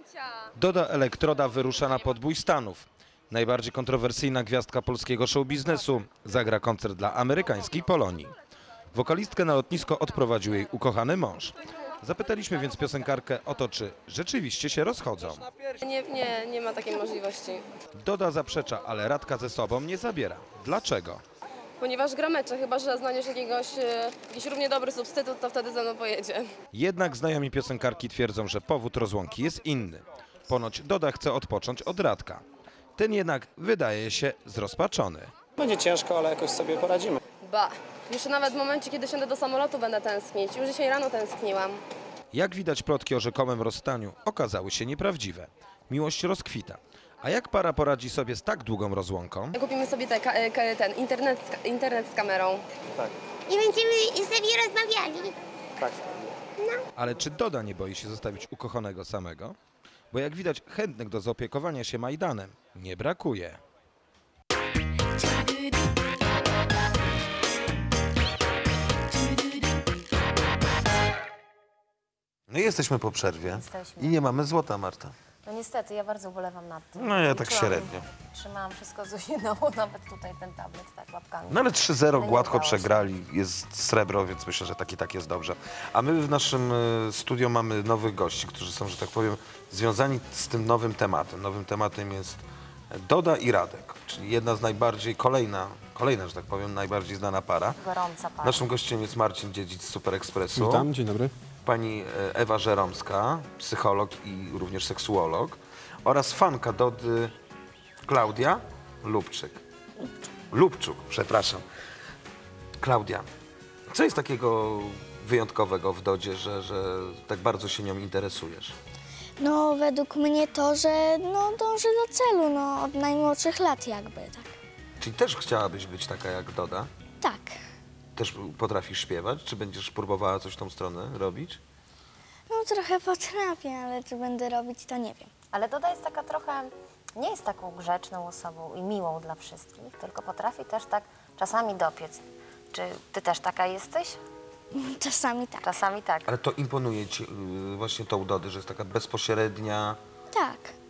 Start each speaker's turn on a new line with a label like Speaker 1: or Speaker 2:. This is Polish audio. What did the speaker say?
Speaker 1: Doda Elektroda wyrusza na podbój Stanów. Najbardziej kontrowersyjna gwiazdka polskiego show-biznesu zagra koncert dla amerykańskiej Polonii. Wokalistkę na lotnisko odprowadził jej ukochany mąż. Zapytaliśmy więc piosenkarkę o to, czy rzeczywiście się rozchodzą.
Speaker 2: Nie ma takiej możliwości.
Speaker 1: Doda zaprzecza, ale Radka ze sobą nie zabiera. Dlaczego?
Speaker 2: Ponieważ gra mecze, chyba że znajdziesz jakiś równie dobry substytut, to wtedy ze mną pojedzie.
Speaker 1: Jednak znajomi piosenkarki twierdzą, że powód rozłąki jest inny. Ponoć Doda chce odpocząć od Radka. Ten jednak wydaje się zrozpaczony.
Speaker 3: Będzie ciężko, ale jakoś sobie poradzimy.
Speaker 2: Ba, już nawet w momencie, kiedy wsiądę do samolotu, będę tęsknić. Już dzisiaj rano tęskniłam.
Speaker 1: Jak widać, plotki o rzekomym rozstaniu okazały się nieprawdziwe. Miłość rozkwita. A jak para poradzi sobie z tak długą rozłąką?
Speaker 2: Kupimy sobie ten internet z kamerą.
Speaker 3: Tak,
Speaker 4: I będziemy sobie rozmawiali.
Speaker 3: tak.
Speaker 1: Ale czy Doda nie boi się zostawić ukochanego samego? Bo jak widać, chętnych do zaopiekowania się Majdanem nie brakuje.
Speaker 5: No i jesteśmy po przerwie
Speaker 6: Jesteśmy.
Speaker 5: i nie mamy złota, Marta.
Speaker 6: No niestety, ja bardzo ubolewam nad tym.
Speaker 5: No ja tak
Speaker 6: Liczyłam,
Speaker 5: średnio.
Speaker 6: Trzymałam wszystko Zuziną, nawet tutaj ten tablet tak łapkami.
Speaker 5: No ale 3-0
Speaker 6: nie
Speaker 5: gładko
Speaker 6: udało się.
Speaker 5: przegrali, jest srebro, więc myślę, że tak jest dobrze. A my w naszym studio mamy nowych gości, którzy są, że tak powiem, związani z tym nowym tematem. Nowym tematem jest Doda i Radek, czyli jedna z najbardziej, kolejna, że tak powiem, najbardziej znana para.
Speaker 6: Gorąca para.
Speaker 5: Naszym gościem jest Marcin Dziedzic z Super Expressu.
Speaker 7: Witam, dzień dobry.
Speaker 5: Pani Ewa Żeromska, psycholog i również seksuolog, oraz fanka Dody Klaudia Lubczuk, przepraszam. Klaudia, co jest takiego wyjątkowego w Dodzie, że tak bardzo się nią interesujesz?
Speaker 4: No, według mnie to, że dąży do celu, od najmłodszych lat jakby, tak.
Speaker 5: Czyli też chciałabyś być taka jak Doda?
Speaker 4: Tak.
Speaker 5: Też potrafisz śpiewać? Czy będziesz próbowała coś w tą stronę robić?
Speaker 4: No, trochę potrafię, ale czy będę robić, to nie wiem.
Speaker 6: Ale Doda jest taka trochę, nie jest taką grzeczną osobą i miłą dla wszystkich, tylko potrafi też tak czasami dopiec. Czy ty też taka jesteś?
Speaker 4: Czasami tak.
Speaker 6: Czasami tak.
Speaker 5: Ale to imponuje ci właśnie tą Dody, że jest taka bezpośrednia.
Speaker 4: Tak.